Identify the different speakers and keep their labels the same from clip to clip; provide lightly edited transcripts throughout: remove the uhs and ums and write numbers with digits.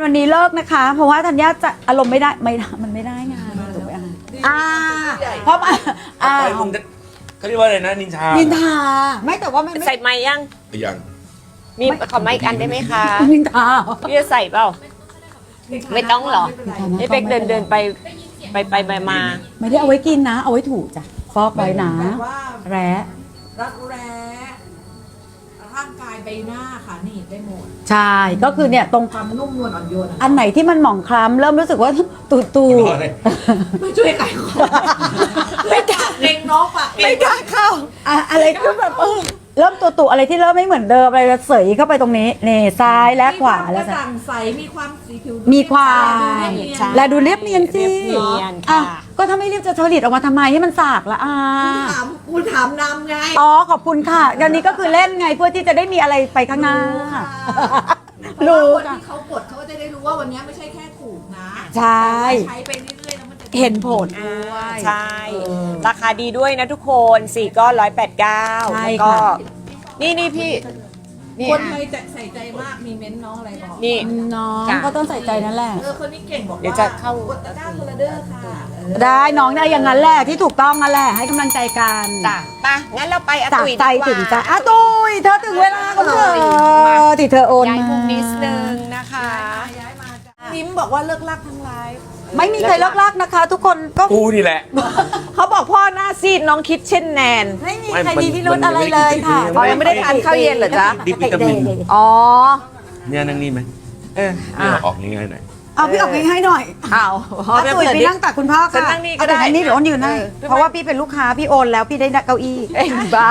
Speaker 1: วันนี้เลิกนะคะ เพราะว่าธัญญาจะอารมณ์ไม่ได้มันไม่ได้งานถูกไหมเพราะ
Speaker 2: เขาเรียกว่าอะไรนะนินทา
Speaker 1: นินทาไม่แต่ว่ามัน
Speaker 3: ใส่ไม้ยังมีขอไม้อีกอันได้ไหมคะ
Speaker 1: นินทา
Speaker 3: พี่จะใส่เปล่าไม่ต้องหรอให้เป็กเดินไปมา
Speaker 1: ไม่ได้เอาไว้กินนะ เอาไว้ถูจ้ะฟอกไว้นะแร้
Speaker 4: รักแร้ร่างกายใบหน้าค่ะนี่ได้หมด
Speaker 1: ใช่ก็คือเนี่ยตรง
Speaker 4: ความนุ่มนวลอ่อนโยน
Speaker 1: อันไหนที่มันหมองคล้ำเริ่มรู้สึกว่าตู
Speaker 4: ไม่ช่วยขายของไม่กล้าเล็งน้องปะ
Speaker 1: ไม่กล้าเข้าอะไรก็แบบเริ่มตูอะไรที่เริ่มไม่เหมือนเดิมอะไรเสยเข้าไปตรงนี้นี่ซ้ายและขวาแล้ว
Speaker 4: กระจ่างใสมีความสีผิว
Speaker 1: มีความและดูเรียบเนียนสิก็ถ้าไม่เรียบจะผลิตออกมาทำไมให้มันสากละ
Speaker 4: คุณถามนำไง
Speaker 1: อ๋อขอบคุณค่ะเดี๋ยวนี้ก็คือเล่นไงเพื่อที่จะได้มีอะไรไปข้างหน้า
Speaker 4: รู้คนที่เขากดเขาจะได้รู้ว่าวันนี้ไม่ใช่แค่ถูกนะ
Speaker 1: ใช่
Speaker 4: ใช้ไปเรื่อยๆแล้วมันจะ
Speaker 1: เห็นผลด้วย
Speaker 3: ใช่ราคาดีด้วยนะทุกคน4ก้อน189แล้วก็นี่พี่
Speaker 4: คนไทยจะใส่ใจมากมีเม้นน้องอะไรบอก
Speaker 3: นี่
Speaker 1: น้องก็ต้องใส่ใจนั่นแหละ
Speaker 4: คนนี้เก่งบอกว่า
Speaker 3: เดี๋ยวจะเข้าก
Speaker 4: ดตะกร้าคนละเด้อค่ะ
Speaker 1: ได้น้องได้อย่างนั้นแหละที่ถูกต้องนั่นแหละให้กำลังใจกัน
Speaker 3: จ้ะไปงั้นเราไปอาตุย
Speaker 1: ใจถึงจะอาตุยเธอถึงเวลาของเธอที่เธอโอน
Speaker 3: มาย้ายมุมนิดนึง
Speaker 4: นะคะย้ายมานิ้มบอกว่าเลิกลักทั้งไลฟ์
Speaker 1: ไม่มีใครเลิกลักนะคะ ทุกคนก็
Speaker 2: กูนี่แหละ
Speaker 3: เขาบอกพ่อหน้าซีดน้องคิดเช่นแนน
Speaker 1: ไม่มีใครมีพิรุธอะไรเลยค่ะ
Speaker 3: ยังไม่ได้ทานข้าวเย็นเหรอจ๊ะ
Speaker 2: ดิวิตามิน
Speaker 3: อ๋อ
Speaker 2: เนี่ยนั่งนี่ไหมออกง่ายๆหน่อย
Speaker 1: เอาพี่ออกง่ายๆหน่อย
Speaker 3: เอา
Speaker 1: ตุ๋ยพี่นั่งตักคุณพ่อค่ะ
Speaker 3: นั่งนี่ก็ได้
Speaker 1: นี่เดี๋ยวอ้นยืนให้เพราะว่าพี่เป็นลูกค้าพี่โอนแล้วพี่ได้เก้าอี้
Speaker 3: บ้า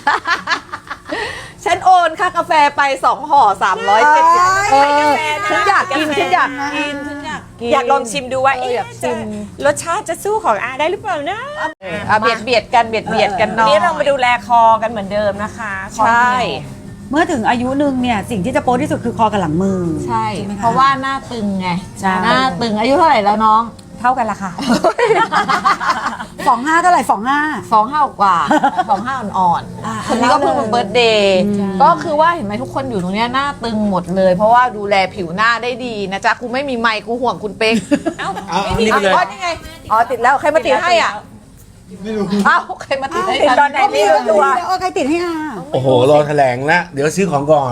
Speaker 3: ฉันโอนค่ากาแฟไป2 ห่อ370ฉันอยากกินอยากลองชิมดูว่ารสชาติจะสู้ของอาได้หรือเปล่านะเบียดกันเนาะนี่เรามาดูแลคอกันเหมือนเดิมนะคะ
Speaker 1: ใช่เมื่อถึงอายุหนึ่งเนี่ยสิ่งที่จะโป๊ที่สุดคือคอกับหลังมือ
Speaker 3: ใช่เพราะว่าหน้าตึงไงหน้าตึงอายุเท่าไหร่แล้วน้อง
Speaker 1: เท่ากันละค่ะ25เท่าไหร่
Speaker 3: 25กว่า25อ่อนๆคนนี้ก็เพิ่งเป็นเบิร์ธเดย์ก็คือว่าเห็นไหมทุกคนอยู่ตรงนี้หน้าตึงหมดเลยเพราะว่าดูแลผิวหน้าได้ดีนะจ๊ะกูไม่มีไมค์กูห่วงคุณเป๊ก
Speaker 2: ไม่มีเลย
Speaker 3: นี่ไงติดแล้วใครมาติดให้อ่ะ
Speaker 2: ไม่รู้
Speaker 3: ใครมาติดให้ตอนไหนไม่รู้ตัว
Speaker 1: ใครติดให้
Speaker 2: โอ้โหรอแถลงแล้วเดี๋ยวซื้อของก่อน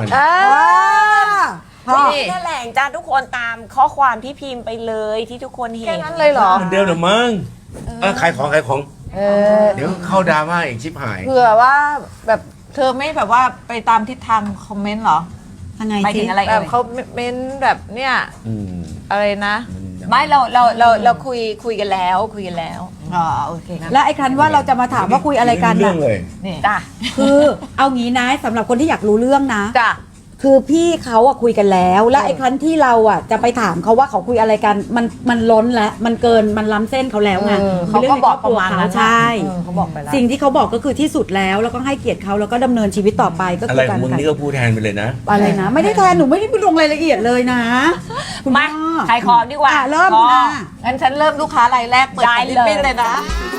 Speaker 3: นี่แถลงจ้าทุกคนตามข้อความที่พิมพ์ไปเลยที่ทุกคนเห็นแค่นั้นเลยเหรอ
Speaker 2: เหมือนเดิมหรือมั้งขายของเดี๋ยวเข้าดราม่าอีกชิบหาย
Speaker 3: เผื่อว่าแบบเธอไม่แบบว่าไปตามทิศทางคอมเมนต์หรอ
Speaker 1: ยังไง
Speaker 3: ไปถึงอะไรแบบเขาเมนต์แบบเนี่ยอะไรนะไม่เราคุยกันแล้วอ๋อโอเค
Speaker 1: และไอ้ครั้นว่าเราจะมาถามว่าคุยอะไรกัน
Speaker 2: นะ
Speaker 1: นี่จ้ะคือเอางี้นะสำหรับคนที่อยากรู้เรื่องนะ
Speaker 3: จ้ะ
Speaker 1: คือพี่เขาอะคุยกันแล้วและไอ้ครั้นที่เราอะจะไปถามเขาว่าเขาคุยอะไรกันมันล้นแล้วมันเกินมันล้ำเส้นเขาแล้วไง
Speaker 3: เขาก็บอกประมาณนั้น
Speaker 1: ใช่
Speaker 3: เขาบอกไปแล้ว
Speaker 1: สิ่งที่เขาบอกก็คือที่สุดแล้วก็ให้เกียรติเขาแล้วก็ดำเนินชีวิตต่อไปก็
Speaker 2: คือการมึงนี่ก็พูดแทนไปเลยนะ
Speaker 1: อะไรนะไม่ได้แทนหนูไม่ได้ไปลงรายละเอียดเลยนะ
Speaker 3: มาขายของดีกว่า
Speaker 1: เริ่ม
Speaker 3: งั้นฉันเริ่มลูกค้ารายแรกเปิดลิปปิ้นเลยนะ